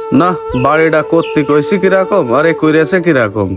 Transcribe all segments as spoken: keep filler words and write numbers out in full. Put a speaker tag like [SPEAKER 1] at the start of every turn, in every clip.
[SPEAKER 1] না, বাড়িটা করতে কইছি কিরকম আরে কইরেছে কিরকম।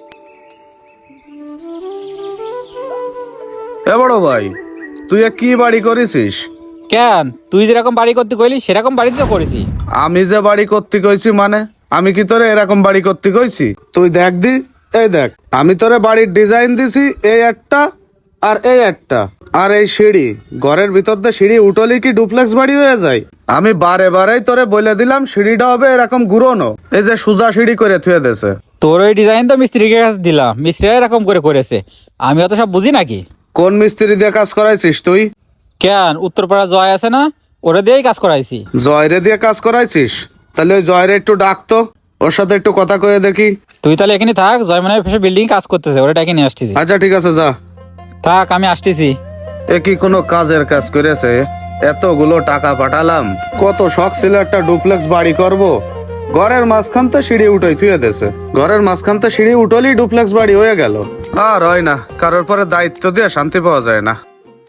[SPEAKER 1] এ বড় ভাই, তুই এ কি বাড়ি করেছিস?
[SPEAKER 2] কেন তুই যেরকম বাড়ি করতে কইলি সেরকম বাড়ি তো করেছি।
[SPEAKER 1] আমি যে বাড়ি করতে কইছি মানে আমি কি তোরে এরকম বাড়ি করতে কইছি? তুই দেখ দি, এই দেখ আমি তোরে বাড়ির ডিজাইন দিছি, এই একটা আর এই একটা আর এই সিঁড়ি, ঘরের ভিতর দিয়ে সিঁড়ি উঠলি কি ডুপ্লেক্স বাড়ি হয়ে যায়? আমি বারে বারেই তোরে বলে দিলাম সিঁড়িটা হবে এরকম ঘুরোনো, এই যে সোজা সিঁড়ি করে থুয়ে দেছে।
[SPEAKER 2] তোর ওই ডিজাইন তো মিস্ত্রিকে কাছে দিলাম, মিস্ত্রিরা এরকম করে করেছে, আমি অত সব বুঝি নাকি।
[SPEAKER 1] কোন মিস্ত্রি দিয়ে কাজ করাইছিস তুই?
[SPEAKER 2] কেন উত্তরপাড়া জয় আছে না, ওরা দিয়েই কাজ করাইছি।
[SPEAKER 1] জয়রে দিয়ে কাজ করাইছিস? তাহলে ওই জয়রে একটু ডাকতো, ওর সাথে একটু কথা কয়ে দেখি।
[SPEAKER 2] তুই তাহলে এখানে থাক, জয় মানে বিল্ডিং কাজ করতেছে, ওরা ডেকে নিয়ে আসতেছি।
[SPEAKER 1] আচ্ছা ঠিক আছে, যা।
[SPEAKER 2] থাক আমি আসতেছি।
[SPEAKER 1] এ কি কোনো কাজের কাজ করেছে? এতগুলো টাকা পাঠালাম, কত শখ ছিল একটা ডুপ্লেক্স বাড়ি করব, ঘরের মাঝখান তো সিঁড়ি উঠোই থুয়ে দেছে, ঘরের মাঝখান তো সিঁড়ি উঠলি ডুপ্লেক্স বাড়ি হয়ে গেল। আর হয় না, কারোর পরে দায়িত্ব দিয়ে শান্তি পাওয়া যায় না।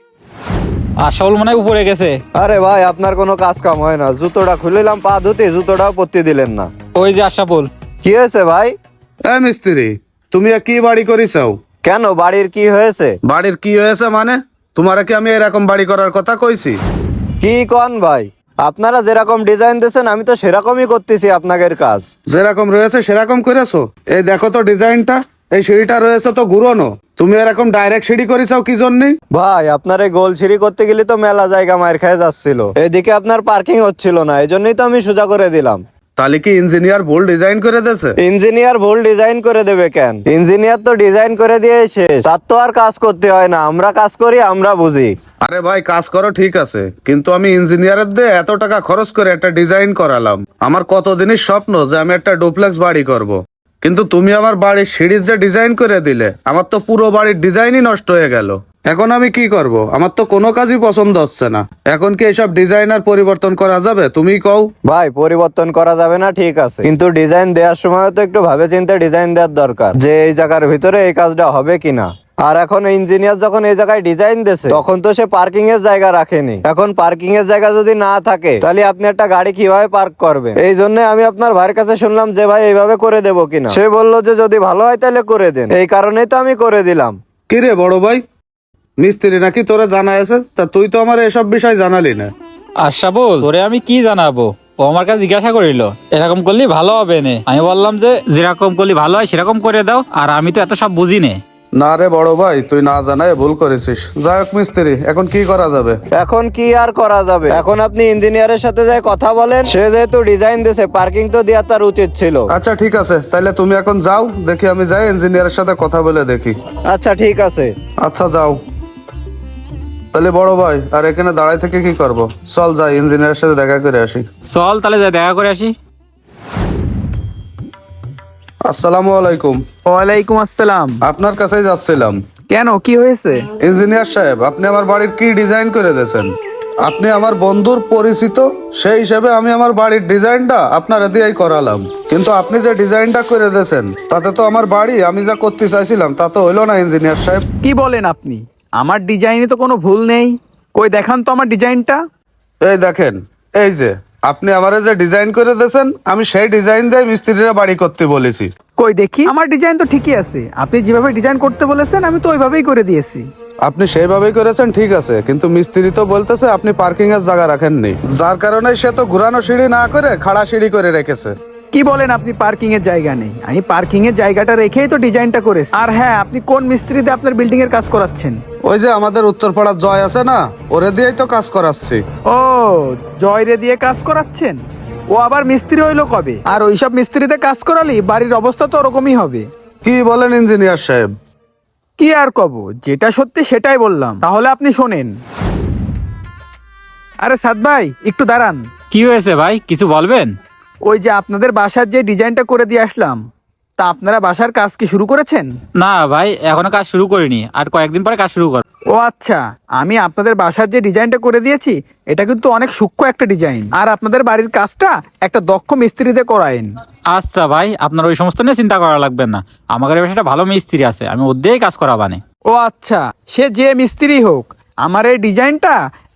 [SPEAKER 2] আশাউল মনে হয় উপরে গেছে।
[SPEAKER 3] আরে ভাই, আপনার কোনো কাজ কাম হয় না, জুতোটা খুলিলাম পা ধুতে, জুতোটাও পরতে দিলেন না।
[SPEAKER 2] ওই যে আশাফুল।
[SPEAKER 3] কি হয়েছে ভাই?
[SPEAKER 1] এ মিস্ত্রি, তুমি এ কি বাড়ি করিছাও?
[SPEAKER 3] কেন, বাড়ির কি হয়েছে?
[SPEAKER 1] বাড়ির কি হয়েছে মানে? তোমার কি আমি এরকম বাড়ি করার কথা কইছি?
[SPEAKER 3] কি কন ভাই, আপনারা যেরকম ডিজাইন দিয়েছেন আমি তো সেরকমই করতেছি আপনাদের কাজ।
[SPEAKER 1] যেরকম রয়েছে সেরকম করেছো? এই দেখো তো ডিজাইনটা, এই সিঁড়িটা রয়েছে তো ঘুরোনো, তুমি এরকম ডাইরেক্ট সিঁড়ি করেছাও কি জন্যে?
[SPEAKER 3] ভাই, আপনার এই গোল সিঁড়ি করতে গেলে তো মেলা জায়গা মার খেয়ে যাচ্ছিল, এদিকে আপনার পার্কিং হচ্ছিল না, এই জন্যই তো আমি সোজা করে দিলাম।
[SPEAKER 1] তাহলে কি ইঞ্জিনিয়ার ভুল ডিজাইন করে দেছে?
[SPEAKER 3] ইঞ্জিনিয়ার ভুল ডিজাইন করে দেবে কেন? ইঞ্জিনিয়ার তো ডিজাইন করে দিয়ে শেষ, তার তো আর কাজ করতে হয় না, আমরা কাজ করি, আমরা বুঝি।
[SPEAKER 1] আরে ভাই, কাজ করো ঠিক আছে, কিন্তু আমি ইঞ্জিনিয়ারের দিয়ে এত টাকা খরচ করে একটা ডিজাইন করালাম, আমার কতদিনের স্বপ্ন যে আমি একটা ডুপ্লেক্স বাড়ি করব। কিন্তু তুমি আমার বাড়ির সিঁড়ির যে ডিজাইন করে দিলে, আমার তো পুরো বাড়ির ডিজাইনই নষ্ট হয়ে গেল। এখন আমি কি করব? আমার তো কোনো কাজই পছন্দ হচ্ছে না। এখন কি এসব ডিজাইন আর পরিবর্তন করা যাবে? তুমি কও।
[SPEAKER 3] ভাই, পরিবর্তন করা যাবে না ঠিক আছে, কিন্তু ডিজাইন দেওয়ার সময় তো একটু ভাবে চিন্তে ডিজাইন দেওয়ার দরকার, যে এই জায়গার ভিতরে এই কাজটা হবে কিনা। আর এখন ইঞ্জিনিয়ার যখন এই জায়গায় ডিজাইন দিয়েছে, তখন তো সে পার্কিং এর জায়গা রাখেনি। এখন পার্কিং এর জায়গা যদি না থাকে, তাহলে আপনি একটা গাড়ি কিভাবে পার্ক করবেন? এই জন্য আমি আপনার ভাইয়ের কাছে শুনলাম যে ভাই এইভাবে করে দেবো কিনা। সে বললো যে যদি ভালো হয় তাহলে করে দেন, এই কারণেই তো আমি করে দিলাম।
[SPEAKER 1] কি রে বড় ভাই, মিস্ত্রি নাকি তোরা জানা আছে? তা তুই তো আমার এসব বিষয় জানালি না।
[SPEAKER 2] আশাফুল, তোরে আমি কি জানাবো, ও আমার কাছে জিজ্ঞাসা করিল এরকম করলে ভালো হবে না। আমি বললাম যে যেরকম করলে ভালো হয় সেরকম করে দাও, আর আমি তো এত সব বুঝি না।
[SPEAKER 1] না রে বড় ভাই, তুই না জানায় ভুল করেছিস। যাই হোক মিস্ত্রি, এখন কি করা যাবে?
[SPEAKER 3] এখন কি আর করা যাবে, এখন আপনি ইঞ্জিনিয়ারের সাথে যাই কথা বলেন, সে যেহেতু ডিজাইন দিয়েছে পার্কিং তো দেওয়া তার উচিত ছিল।
[SPEAKER 1] আচ্ছা ঠিক আছে, তাহলে তুমি এখন যাও, দেখি আমি যাই ইঞ্জিনিয়ারের সাথে কথা বলে দেখি।
[SPEAKER 3] আচ্ছা ঠিক আছে।
[SPEAKER 1] আচ্ছা যাও। তাহলে বড় ভাই, আর এখানে দাঁড়াই থেকে কি করব? চল যাই ইঞ্জিনিয়ারের সাথে দেখা করে আসি।
[SPEAKER 2] চল তাহলে যাই দেখা করে আসি।
[SPEAKER 1] আসসালামু আলাইকুম।
[SPEAKER 4] ওয়ালাইকুম আসসালাম।
[SPEAKER 1] আপনার কাছেই যাচ্ছিলাম।
[SPEAKER 4] কেন, কি হয়েছে?
[SPEAKER 1] ইঞ্জিনিয়ার সাহেব, আপনি আমার বাড়ির কি ডিজাইন করে দিয়েছেন? আপনি আমার বন্ধুর পরিচিত, সেই হিসেবে আমি আমার বাড়ির ডিজাইনটা আপনার দিয়েই করালাম, কিন্তু আপনি যে ডিজাইনটা করে দিয়েছেন তাতে তো আমার বাড়ি আমি যা করতে চাইছিলাম তা তো হইলো না ইঞ্জিনিয়ার সাহেব।
[SPEAKER 4] কি বলেন আপনি? আমার ডিজাইনে তো কোনো ভুল নেই, কই দেখান তো আমার ডিজাইনটা।
[SPEAKER 1] এই দেখেন, এই যে আপনি আমারে যে ডিজাইন করে দিয়েছেন, আমি সেই ডিজাইন দিয়ে মিস্ত্রিরা বাড়ি করতে বলেছি।
[SPEAKER 4] কই দেখি, আমার ডিজাইন তো ঠিকই আছে, আপনি যেভাবে ডিজাইন করতে বলেছেন আমি তো ওইভাবেই করে দিয়েছি।
[SPEAKER 1] আপনি সেইভাবেই করেছেন ঠিক আছে, কিন্তু মিস্ত্রি তো বলতেছে আপনি পার্কিং এর জায়গা রাখেননি, যার কারণে সে তো ঘুরানো সিঁড়ি না করে খাড়া সিঁড়ি করে রেখেছে।
[SPEAKER 4] কি বলেন আপনি? পার্কিং এর জায়গা নেই? আমি পার্কিং এর জায়গাটা রেখেই তো ডিজাইনটা করেছি। আর হ্যাঁ, আপনি কোন মিস্ত্রিতে আপনার বিল্ডিং এর কাজ করাচ্ছেন?
[SPEAKER 1] ওই যে আমাদের উত্তরপাড়ার জয় আছে না, ওরে দিয়েই তো কাজ করাচ্ছি।
[SPEAKER 4] ও, জয়রে দিয়ে কাজ করাচ্ছেন? ও আবার মিস্ত্রি হইলো কবে? আর ওইসব মিস্ত্রিতে কাজ করালি বাড়ির অবস্থা তো ওরকমই হবে।
[SPEAKER 1] কি বলেন ইঞ্জিনিয়ার সাহেব?
[SPEAKER 4] কি আর কব, যেটা সত্যি সেটাই বললাম। তাহলে আপনি শোনেন। আরে সাদ ভাই, একটু দাঁড়ান।
[SPEAKER 2] কি হয়েছে ভাই, কিছু বলবেন?
[SPEAKER 4] ওই যে আপনাদের বাসার যে ডিজাইনটা করে দিয়ে আসলাম, তা আপনারা বাসার কাজ কি শুরু করেছেন?
[SPEAKER 2] না ভাই, এখনো কাজ শুরু করিনি, আর কয়েকদিন পরে কাজ শুরু কর।
[SPEAKER 4] ও আচ্ছা, আমি আপনাদের বাসার যে ডিজাইনটা করে দিয়েছি এটা কিন্তু অনেক সূক্ষ্ম একটা ডিজাইন, আর আপনাদের বাড়ির কাজটা একটা দক্ষ মিস্ত্রিতে করায়েন।
[SPEAKER 2] আচ্ছা ভাই, আপনার ওই সমস্ত নিয়ে চিন্তা করা লাগবে না, আমাদের বাসায় একটা ভালো মিস্ত্রি আছে, আমি ওর দিয়েই কাজ করাবানে।
[SPEAKER 4] ও আচ্ছা, সে যে মিস্ত্রি হোক, আমার এই ডিজাইনটা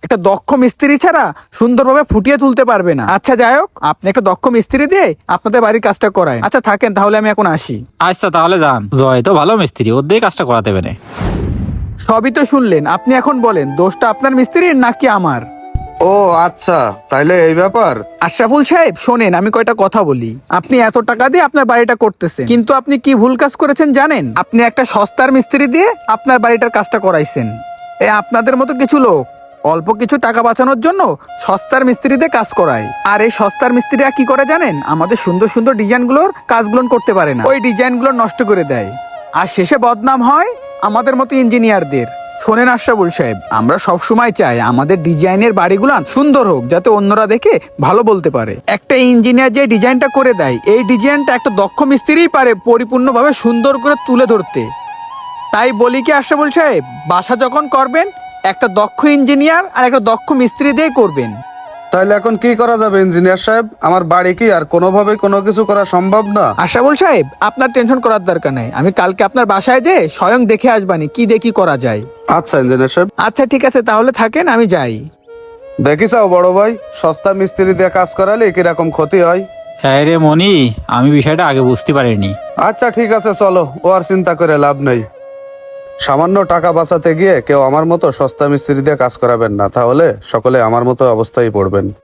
[SPEAKER 4] একটা দক্ষ মিস্ত্রি ছাড়া সুন্দরভাবে ফুটিয়ে তুলতে পারবে না। আচ্ছা যাই হোক, আপনি একটা দক্ষ মিস্ত্রি দিয়ে আপনাদের বাড়ির কাজটা করায়। আচ্ছা থাকেন, তাহলে আমি এখন আসি।
[SPEAKER 2] আচ্ছা তাহলে যান, জয় তো ভালো মিস্ত্রি, ওর দিয়ে কাজটা করাতে পারে।
[SPEAKER 4] সবই তো শুনলেন, আপনি এখন বলেন দোষটা আপনার মিস্ত্রির নাকি আমার?
[SPEAKER 1] ও আচ্ছা, তাইলে এই ব্যাপার।
[SPEAKER 4] আশরাফুল সাহেব শোনেন, আমি কয়টা কথা বলি। আপনি এত টাকা দিয়ে আপনার বাড়িটা করতেছেন, কিন্তু আপনি কি ভুল কাজ করেছেন জানেন? আপনি একটা সস্তার মিস্ত্রি দিয়ে আপনার বাড়িটার কাজটা করাইছেন। এ আপনাদের মতো কিছু লোক অল্প কিছু টাকা বাঁচানোর জন্য সস্তার মিস্ত্রি দিয়ে কাজ করায়। আর এই সস্তার মিস্ত্রিরা কি করে জানেন? আমাদের সুন্দর সুন্দর ডিজাইনগুলোর কাজগুলো করতে পারে না, ওই ডিজাইনগুলো নষ্ট করে দেয়। আর শেষে বদনাম হয় আমাদের মতো ইঞ্জিনিয়ারদের। শোনেন আশরাফুল সাহেব, আমরা সব সময় চাই আমাদের ডিজাইনের বাড়িগুলো সুন্দর হোক, যাতে অন্যরা দেখে ভালো বলতে পারে। একটা ইঞ্জিনিয়ার যে ডিজাইনটা করে দেয়, এই ডিজাইনটা একটা দক্ষ মিস্ত্রিই পারে পরিপূর্ণভাবে সুন্দর করে তুলে ধরতে। তাই বলি কি আশরাফুল সাহেব, বাসা যখন করবেন একটা দক্ষ ইঞ্জিনিয়ার আর একটা দক্ষ মিস্ত্রি দিয়ে করবেন।
[SPEAKER 1] তাইলে এখন কি করা যাবে ইঞ্জিনিয়ার সাহেব? আমার বাড়ি কি আর কোনোভাবে কোনো কিছু করা সম্ভব না?
[SPEAKER 4] আশরাফুল সাহেব, আপনার টেনশন করার দরকার নাই। আমি কালকে আপনার বাসায় যে স্বয়ং দেখে আসবানি কি দেখি করা যায়।
[SPEAKER 1] আচ্ছা ইঞ্জিনিয়ার সাহেব।
[SPEAKER 4] আচ্ছা ঠিক আছে, তাহলে থাকেন, আমি যাই।
[SPEAKER 1] দেখিসাও বড় ভাই, সস্তা মিস্ত্রি দিয়ে কাজ করালে কিরকম ক্ষতি হয়।
[SPEAKER 2] হ্যাঁ রে মনি, আমি বিষয়টা আগে বুঝতে পারিনি।
[SPEAKER 1] আচ্ছা ঠিক আছে, চলো, ও আর চিন্তা করে লাভ নেই। সামান্য টাকা বাঁচাতে গিয়ে কেউ আমার মতো সস্তা মিস্ত্রি দিয়ে কাজ করাবেন না, তাহলে সকলে আমার মতো অবস্থায় পড়বেন।